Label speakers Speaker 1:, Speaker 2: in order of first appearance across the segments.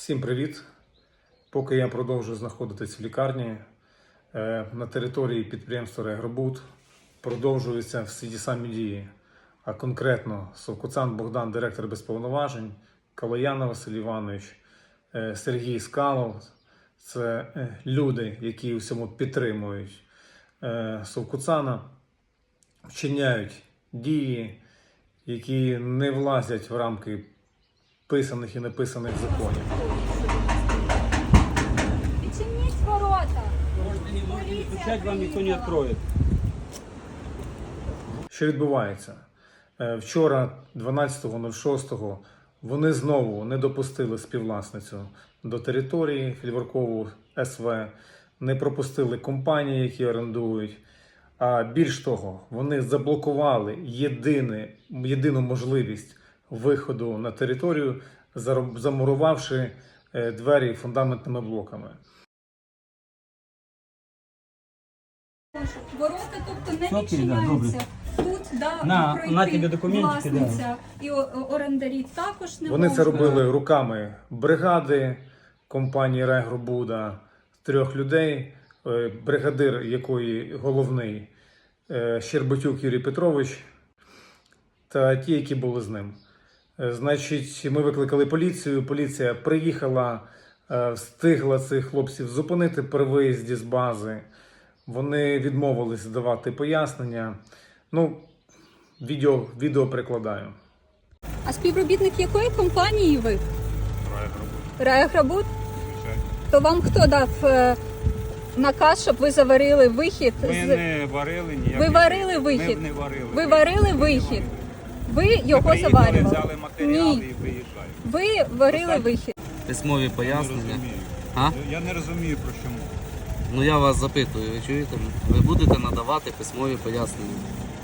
Speaker 1: Всім привіт! Поки я продовжую знаходитись в лікарні, на території підприємства «Райагробуд» продовжуються всі ті самі дії. А конкретно Совкуцан Богдан, директор без повноважень, Калояна Василь Іванович, Сергій Скалов – це люди, які у всьому підтримують Совкуцана, вчиняють дії, які не влазять в рамки писаних і неписаних законів.
Speaker 2: Відчиніть ворота.
Speaker 3: Стучать вам ніхто не відкриє.
Speaker 1: Що відбувається? Вчора, 12.06, вони знову не допустили співвласницю до території Фільваркову СВ, не пропустили компанії, які орендують. А більш того, вони заблокували єдину можливість виходу на територію, замурувавши двері фундаментними блоками.
Speaker 2: Ворота, тобто, не
Speaker 3: Окей,
Speaker 2: відчиняються.
Speaker 3: да,
Speaker 2: Тут,
Speaker 3: на
Speaker 2: пройти
Speaker 3: тебе документики,
Speaker 2: власниця і орендарі також не
Speaker 1: Вони
Speaker 2: можуть.
Speaker 1: це робили руками бригади компанії «Райагробуда», 3 людей, бригадир якої головний Щербатюк Юрій Петрович та ті, які були з ним. Значить, ми викликали поліцію, поліція приїхала, встигла цих хлопців зупинити при виїзді з бази. Вони відмовились давати пояснення. Ну, відео прикладаю.
Speaker 2: А співробітник якої компанії ви? «Райагробуд». То вам хто дав наказ, щоб ви заварили вихід?
Speaker 3: Ми не варили ніяких.
Speaker 2: Ви варили вихід?
Speaker 3: Ми не варили.
Speaker 2: Ви варили вихід? Ви його
Speaker 3: Ми приїхали,
Speaker 2: заварювали?
Speaker 3: взяли матеріали
Speaker 2: Ні.
Speaker 3: і виїжджаємо.
Speaker 2: Ви варили вихід?
Speaker 4: Письмові
Speaker 3: Я не
Speaker 4: пояснення.
Speaker 3: розумію.
Speaker 4: А?
Speaker 3: Я не розумію, про чому.
Speaker 4: Ну я вас запитую, ви чуєте? Ви будете надавати письмові пояснення.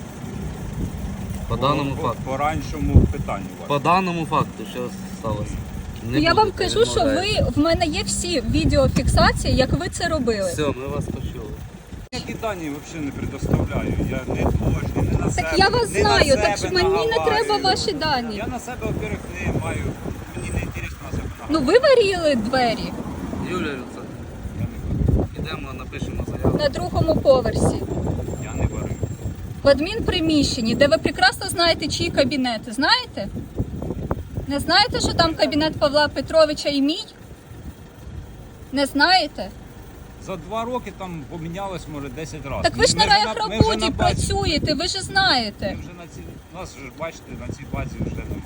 Speaker 4: По даному факту.
Speaker 3: По раншому питанню.
Speaker 4: По даному факту, що сталося. Не
Speaker 2: Я вам
Speaker 4: будете,
Speaker 2: кажу, що
Speaker 4: відмовляєте.
Speaker 2: в мене є всі відеофіксації, як ви це робили.
Speaker 4: Все, ми вас почули.
Speaker 3: Які дані взагалі не предоставляю. Я не творчий, не на себе.
Speaker 2: Так я вас
Speaker 3: не на
Speaker 2: знаю,
Speaker 3: себе
Speaker 2: так що мені не
Speaker 3: наговарюю.
Speaker 2: треба ваші дані.
Speaker 3: Я на себе, во-первых, не маю. Мені не інтересно на себе
Speaker 2: Ну
Speaker 3: наговарювати.
Speaker 2: ви варили двері
Speaker 4: Юлія Люцак,
Speaker 3: Я не варив.
Speaker 4: ідемо, напишемо заяву.
Speaker 2: на 2-му поверсі,
Speaker 3: Я не варив.
Speaker 2: в адмінприміщенні, де ви прекрасно знаєте, чиї кабінети. Знаєте? Не знаєте, що там кабінет Павла Петровича і мій? Не знаєте?
Speaker 3: За 2 роки там помінялось, може, 10 разів.
Speaker 2: Так ви ж на
Speaker 3: Ми вже
Speaker 2: «Райагробуді»
Speaker 3: на базі-
Speaker 2: працюєте, ви ж знаєте.
Speaker 3: Ми вже на цій, нас же, бачите, на цій базі вже не